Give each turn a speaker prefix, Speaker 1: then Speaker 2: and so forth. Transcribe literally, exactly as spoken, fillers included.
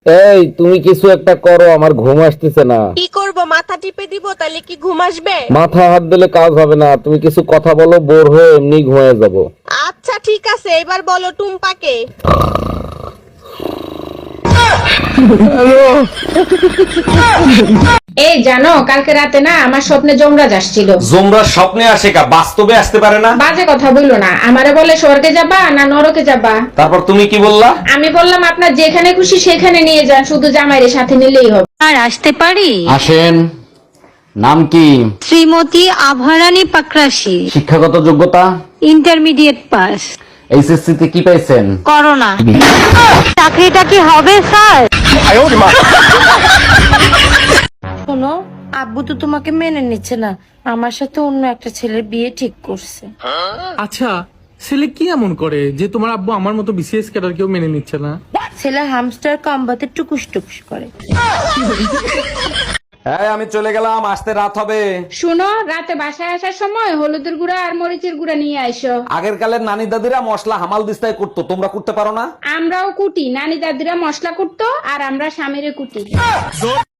Speaker 1: এই তুমি কিছু একটা করো, আমার ঘুম আসতেছে না।
Speaker 2: কি করব, মাথা টিপে দিব তাহলে কি ঘুম আসবে?
Speaker 1: মাথা হাত দিলে কাজ হবে না, তুমি কিছু কথা বলো, বোর হয়ে এমনি ঘুমিয়ে যাব।
Speaker 2: আচ্ছা ঠিক আছে, এবার বলো টুম্পাকে।
Speaker 3: এই জানো, কালকে রাতে না আমার স্বপ্নে যমরাজ আসছিল।
Speaker 4: জোমরা স্বপ্নে আসে কা, বাস্তবে আসতে পারে না?
Speaker 3: বাজে কথা বললো না, আমারে বলে স্বর্গে যাবা না নরকে যাবা।
Speaker 4: তারপর তুমি কি বললা?
Speaker 3: আমি বললাম আপনার যেখানে খুশি সেখানে নিয়ে যান, শুধু জামাইয়ের সাথে নিলেই হবে।
Speaker 5: আর আসতে পারি?
Speaker 4: আসেন। নাম কি?
Speaker 5: শ্রীমতী আভারানী পাকরাশি,
Speaker 4: শিক্ষাগত যোগ্যতা?
Speaker 5: Intermediate pass.
Speaker 4: এইচএসসি তে কি পাইছেন?
Speaker 5: করোনা। চাকরিটা কি হবে স্যার? শোনো, আব্বু তো তোমাকে মেনে নিচ্ছে না, আমার সাথে অন্য একটা ছেলের বিয়ে ঠিক করছে।
Speaker 6: আচ্ছা, ছেলে কি এমন করে যে তোমার আব্বু আমার মতো বিসিএস ক্যাডার কেউ মেনে নিচ্ছে না?
Speaker 5: ছেলে হামস্টার কম্বাতে টুকুস টুকুস করে।
Speaker 4: হ্যাঁ, আমি চলে গেলাম, আসতে রাত হবে।
Speaker 3: শুনো, রাতে বাসায় আসার সময় হলুদের গুঁড়া আর মরিচের গুঁড়া নিয়ে আইসো।
Speaker 4: আগের কালের নানি দাদিরা মশলা হামাল দিস্তায় করতো, তোমরা করতে পারো না?
Speaker 3: আমরাও কুটি, নানি দাদিরা মশলা কুটতো আর আমরা স্বামীরে কুটি।